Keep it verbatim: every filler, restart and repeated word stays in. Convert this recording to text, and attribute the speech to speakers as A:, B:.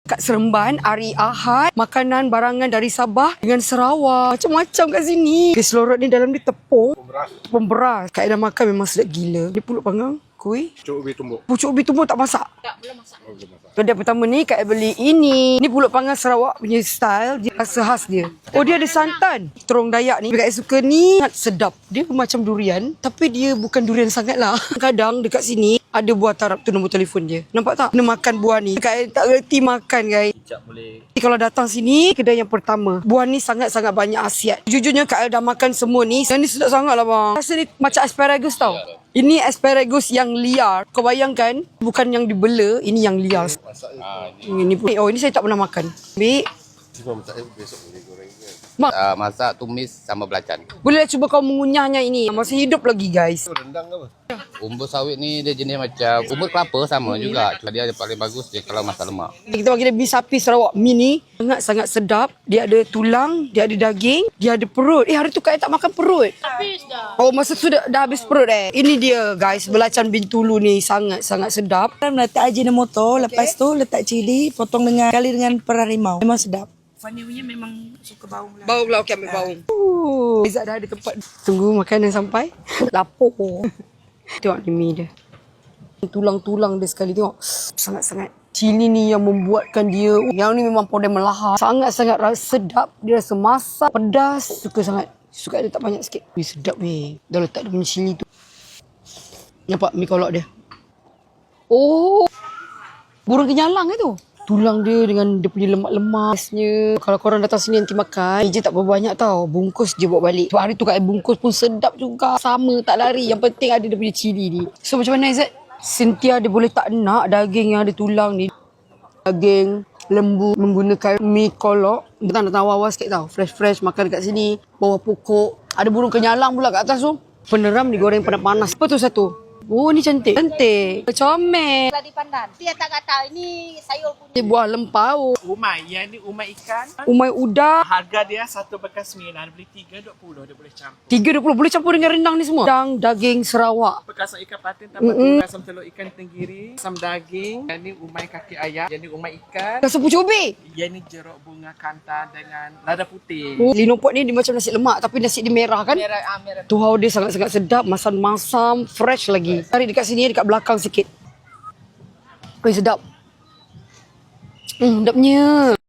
A: Kat Seremban, hari Ahad, makanan barangan dari Sabah dengan Sarawak. Macam-macam kat sini. Keselorot ni dalam dia tepung. Tepung beras. Kaedah makan memang sedap gila. Dia pulut panggang, kuih.
B: Pucuk ubi tumbuk.
A: Pucuk ubi tumbuk tak masak?
C: Tak, belum masak.
B: Oh, belum masak.
A: Kedai pertama ni Kak beli ini. Ni pulut panggang Sarawak punya style. Dia rasa khas dia. Oh, dia ada santan. Terong Dayak ni Kak suka ni. Sangat sedap. Dia macam durian. Tapi dia bukan durian sangat lah. Kadang dekat sini ada buah tarap tu nombor telefon dia. Nampak tak? Kena makan buah ni. Kak tak reti makan guys.
D: Kicap boleh.
A: Kalau datang sini, kedai yang pertama. Buah ni sangat-sangat banyak khasiat. Jujurnya Kak dah makan semua ni. Yang ni sedap sangat lah bang. Rasa ni macam asparagus tau. Ini asparagus yang liar. Kau bayangkan, bukan yang dibela, ini yang liar.
D: Ah,
A: Ini pun. Oh, ini saya tak pernah makan. Ambil.
B: Cuma masak besok boleh goreng kan.
A: Mak,
D: uh, masak tumis sama belacan.
A: boleh cuba kau mengunyahnya ini. Masih hidup lagi guys.
B: Itu rendang ke apa?
D: Umbur sawit ni dia jenis macam umbur kelapa sama juga. Cuma dia paling bagus dia kalau masak lemak.
A: Kita bagi dia mi sapi Sarawak. Mi ni sangat-sangat sedap. Dia ada tulang, dia ada daging, dia ada perut. Eh, hari tu Kak tak makan perut.
C: Habis dah.
A: Oh, masa tu dah, dah habis perut eh. Ini dia guys, belacan Bintulu ni sangat-sangat sedap.
E: Letak ajinomoto, lepas tu letak cili, potong dengan kali dengan perarimau. Memang sedap.
C: Fani punya memang suka bau lah.
A: Baung lah, okey ambil baung. Uh, Izzat dah ada tempat. Tunggu makanan sampai. Lapar. Tengok ni mi dia. Tulang-tulang dia sekali tengok. Sangat-sangat. Cili ni yang membuatkan dia. Yang ni memang podeng melahap. Sangat-sangat rasa sedap. Dia rasa masak, pedas. Suka sangat. Suka dia tak banyak sikit. Wih sedap weh. Dah letak dia punya cili tu. Nampak mi kolok dia. Oh. Burung kenyalang ke tu? Tulang dia dengan dia punya lemak-lemak. Bestnya. Kalau korang datang sini nanti makan, je tak berapa banyak tau. Bungkus je bawa balik. Sebab hari tu kat bungkus pun sedap juga. Sama, tak lari. Yang penting ada dia punya cili ni. So macam mana Izzat? Cynthia dia boleh tak nak daging yang ada tulang ni. Daging lembu menggunakan mi kolok. Datang datang awal-awal sikit tau. Fresh-fresh makan dekat sini. Bawah pokok. Ada burung kenyalang pula kat atas tu. Peneram digoreng panas-panas. Apa tu satu? Oh ni cantik. Cantik. Comel.
C: Tadi pandan. Dia tak kata ini sayur punya.
A: Dia buah lempau.
F: Umai, yang ni umai ikan.
A: Umai udang.
F: Harga dia satu bekas sembilan, beli tiga dua puluh dia boleh campur.
A: Tiga dua puluh boleh campur dengan rendang ni semua. Rendang, daging Sarawak.
F: Bekas ikan patin tambah mm asam telur ikan tenggiri, asam daging. Yang ni umai kaki ayam, yang ni umai ikan.
A: Rasa pucuk ubi.
F: Yang ni jeruk bunga kanta dengan lada putih.
A: Oh, linopot ni dia macam nasi lemak tapi nasi dia merah kan?
C: Merah, ah, merah.
A: Tuhau dia sangat-sangat sedap, masam-masam, fresh lagi. Tarik dekat sini, dekat belakang sikit. Oh, sedap. Hmm, sedapnya.